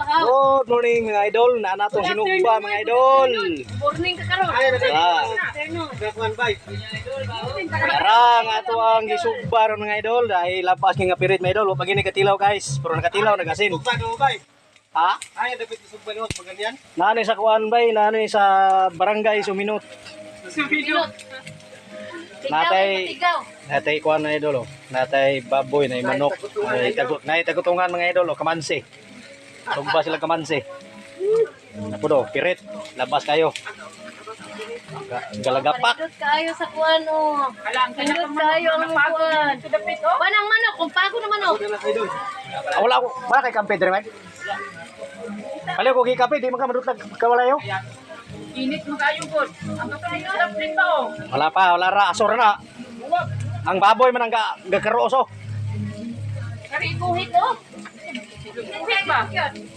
Good morning mga idol. Natong sinugba mga idol. Morning ka karon. Karang ato ang gisugba ron mga idol dahil lapas nga pirit mga idol. Pag ini katilaw guys, pero nakatilaw nagasin. Ha? Ay, dapat isugba no pag ganyan. Nani sa kuan bay, nani sa barangay Suminot. Natay kuan na idol. Natay baboy na manok. Nay tagutungan mga idol, kamansi. Sugba sila kamansi. Ako do, pirit, labas kayo. Galagapak. Pindot kayo sa kuan o. Pindot kayo ang kuan. Banang manok, kung pago na manok. Wala ko, wala kay kampe dire, Mike. Pala ko kape, di man ka madutlag kawalayo. Init mo kayo good. Ang kapatid sa plate pa oh. Wala ra, asor na. Ang baboy man ang gakaroso. Kari buhit o. Buhit ba?